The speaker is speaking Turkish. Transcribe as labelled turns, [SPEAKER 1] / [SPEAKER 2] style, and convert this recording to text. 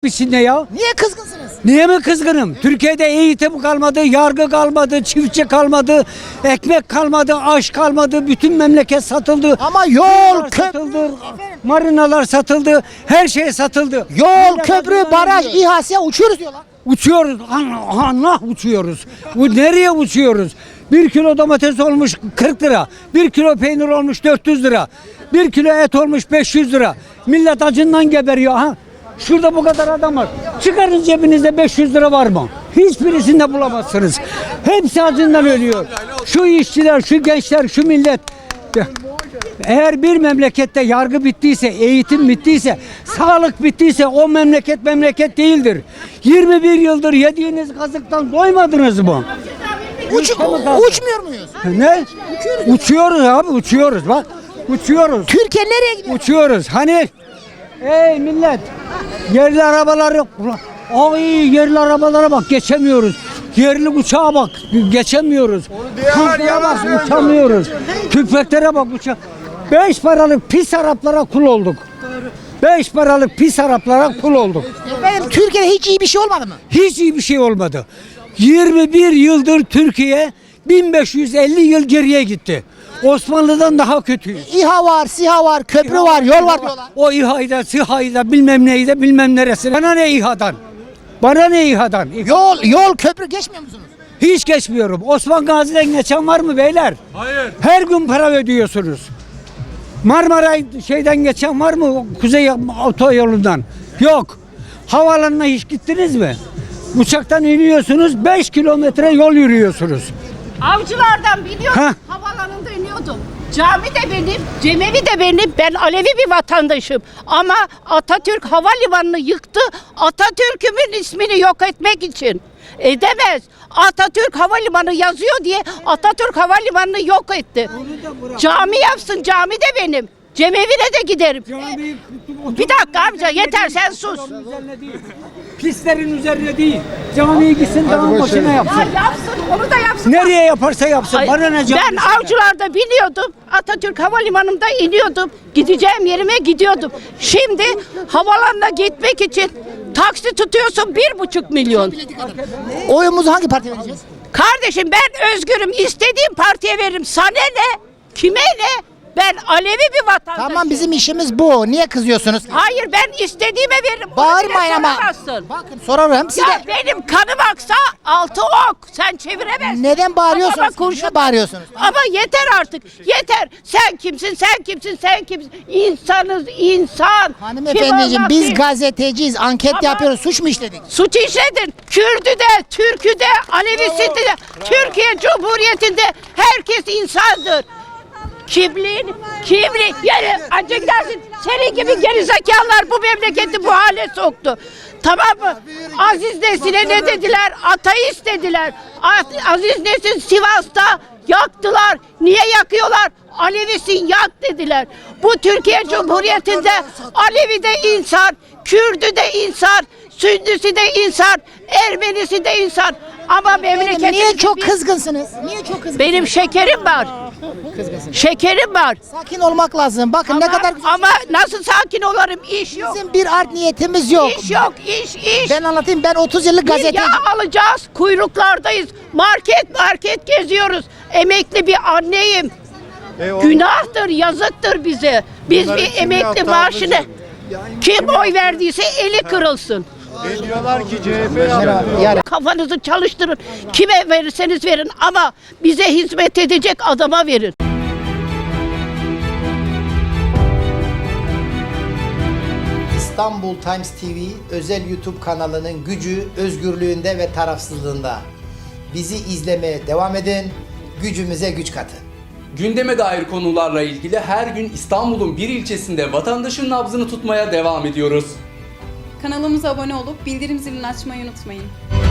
[SPEAKER 1] içinde ya.
[SPEAKER 2] Niye kızgınsınız?
[SPEAKER 1] Niye mi kızgınım? Türkiye'de eğitim kalmadı, yargı kalmadı, çiftçi kalmadı, ekmek kalmadı, aş kalmadı, bütün memleket satıldı.
[SPEAKER 2] Ama yol,
[SPEAKER 1] satıldı, marinalar satıldı, her şey satıldı.
[SPEAKER 2] yol, köprü, baraj, İHA, uçuyoruz diyorlar.
[SPEAKER 1] Uçuyoruz, Allah uçuyoruz. Bu nereye uçuyoruz? 1 kilo domates olmuş 40 lira, 1 kilo peynir olmuş 400 lira, 1 kilo et olmuş 500 lira. Millet acından geberiyor ha. Şurada bu kadar adam var. Çıkarın cebinizde 500 lira var mı? Hiçbirisinde bulamazsınız. Hepsi acından ölüyor. Şu işçiler, şu gençler, şu millet. Eğer bir memlekette yargı bittiyse, eğitim bittiyse, sağlık bittiyse o memleket memleket değildir. 21 yıldır yediğiniz kazıktan doymadınız mı?
[SPEAKER 2] Uçmuyor muyuz?
[SPEAKER 1] Ne? Uçuyoruz abi, uçuyoruz bak. Uçuyoruz.
[SPEAKER 2] Türkiye nereye gidiyor?
[SPEAKER 1] Uçuyoruz. Hani ey millet, yerli arabaları, ay yerli arabalara bak, geçemiyoruz. Yerli uçağa bak, geçemiyoruz. Tanklara bak, uçamıyoruz. Tüfeklere bak, 5 paralık pis Araplara kul olduk. 5 paralık pis Araplara kul olduk.
[SPEAKER 2] Efendim Türkiye'de hiç iyi bir şey olmadı mı?
[SPEAKER 1] Hiç iyi bir şey olmadı. 21 yıldır Türkiye 1550 yıl geriye gitti. Osmanlı'dan daha kötüyüz.
[SPEAKER 2] İHA var, SİHA var, köprü var, yol var diyorlar.
[SPEAKER 1] O İHA'yı SİHA'yı da bilmem neyi de bilmem neresi. Bana ne İHA'dan? Bana ne İHA'dan?
[SPEAKER 2] Yol, köprü geçmiyor musunuz?
[SPEAKER 1] Hiç geçmiyorum. Osman Gazi'den geçen var mı beyler?
[SPEAKER 3] Hayır.
[SPEAKER 1] Her gün para ödüyorsunuz. Marmara şeyden geçen var mı? Kuzey otoyolundan. Yok. Havaalanına hiç gittiniz mi? Uçaktan iniyorsunuz, 5 kilometre yol yürüyorsunuz.
[SPEAKER 4] Avcılardan biliyorum.
[SPEAKER 1] Heh.
[SPEAKER 4] Havalanında iniyordum. Cami de benim, cemevi de benim. Ben Alevi bir vatandaşım. Ama Atatürk havalimanını yıktı. Atatürk'ümün ismini yok etmek için. Edemez. Atatürk havalimanı yazıyor diye Atatürk havalimanını yok etti. Cami yapsın, cami de benim. Cemevine de giderim. Bir dakika amca, yeter, sen sus.
[SPEAKER 1] Pistlerin üzerine değil. Camiye gitsin, dağın başına yapsın.
[SPEAKER 4] Ya yapsın, onu da yapsın.
[SPEAKER 1] Nereye yaparsa yapsın.
[SPEAKER 4] Ay,
[SPEAKER 1] Bana ne cami?
[SPEAKER 4] ben Avcılar'da biniyordum. Atatürk Havalimanı'nda iniyordum. Gideceğim yerime gidiyordum. Şimdi havalanına gitmek için taksi tutuyorsun 1,5 milyon.
[SPEAKER 2] Oyumuzu hangi partiye vereceğiz?
[SPEAKER 4] Kardeşim ben özgürüm. İstediğim partiye veririm. Sana ne? Kime ne? Ben Alevi bir vatandaşım.
[SPEAKER 2] Tamam, bizim işimiz bu. Niye kızıyorsunuz?
[SPEAKER 4] Hayır, ben istediğime veririm. Onu
[SPEAKER 2] Bağırmayın
[SPEAKER 4] bile
[SPEAKER 2] ama.
[SPEAKER 4] soramazsın.
[SPEAKER 2] Bakın sorarım size.
[SPEAKER 4] Ya benim kanım aksa altı ok. Sen çeviremezsin.
[SPEAKER 2] Neden bağırıyorsunuz?
[SPEAKER 4] Ama kurşun
[SPEAKER 2] Niye bağırıyorsunuz?
[SPEAKER 4] Ama yeter artık. Yeter. Sen kimsin? Sen kimsin? Sen kimsin? İnsanız, insan.
[SPEAKER 2] Hanımefendiciğim,
[SPEAKER 4] Kim
[SPEAKER 2] biz
[SPEAKER 4] olmak değil.
[SPEAKER 2] gazeteciyiz, anket
[SPEAKER 4] Ama-
[SPEAKER 2] yapıyoruz. Suç mu işledik?
[SPEAKER 4] Suç işledin. Kürdü de, Türk'ü de, Alevisi de. Türkiye Cumhuriyeti'nde herkes insandır. Kimliğin, yani ancak gidersin. Senin gibi gerizekalılar bu memleketi bu hale soktu. Tamam mı? Aziz Nesin'e ne dediler? Ateist dediler. Aziz Nesin Sivas'ta yaktılar. Niye yakıyorlar? Alevisin yak dediler. Bu Türkiye Cumhuriyeti'nde Alevi de insan, Kürdü de insan, Sünnisi de insan, Ermenisi de insan. Ama memleketimizde
[SPEAKER 2] Niye çok kızgınsınız? Niye çok kızgınsınız?
[SPEAKER 4] benim şekerim var. Şekerim var.
[SPEAKER 2] Sakin olmak lazım. Bakın ne kadar güzel.
[SPEAKER 4] Ama nasıl sakin olurum? İş yok.
[SPEAKER 2] Bizim bir art niyetimiz yok.
[SPEAKER 4] İş yok, iş.
[SPEAKER 2] Ben anlatayım. Ben 30 yıllık
[SPEAKER 4] Bir
[SPEAKER 2] gazeteci.
[SPEAKER 4] yağ alacağız, kuyruklardayız. Market geziyoruz. Emekli bir anneyim. Günahtır, yazıktır bize. Biz bir emekli maaşını kim oy verdiyse eli kırılsın.
[SPEAKER 3] Diyorlar ki CHP
[SPEAKER 2] Yani
[SPEAKER 4] Kafanızı çalıştırın. Kime verirseniz verin ama bize hizmet edecek adama verin.
[SPEAKER 2] İstanbul Times TV özel YouTube kanalının gücü özgürlüğünde ve tarafsızlığında. Bizi izlemeye devam edin. Gücümüze güç katın.
[SPEAKER 5] Gündeme dair konularla ilgili her gün İstanbul'un bir ilçesinde vatandaşın nabzını tutmaya devam ediyoruz.
[SPEAKER 6] Kanalımıza abone olup bildirim zilini açmayı unutmayın.